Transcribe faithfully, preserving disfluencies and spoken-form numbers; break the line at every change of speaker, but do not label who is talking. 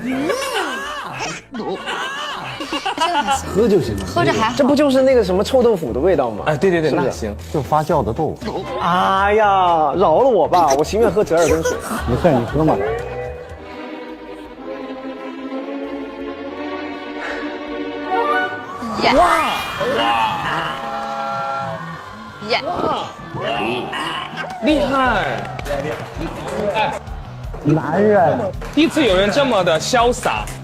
喝就行了，
喝着还好。
这不就是那个什么臭豆腐的味道吗？
哎，对对对，
是不是
那行。
就发酵的豆腐。
哎呀，饶了我吧，我情愿喝折耳根水。
没事，你喝嘛。
耶！哇！耶！
厉害！
男人。
第一次有人这么的潇洒。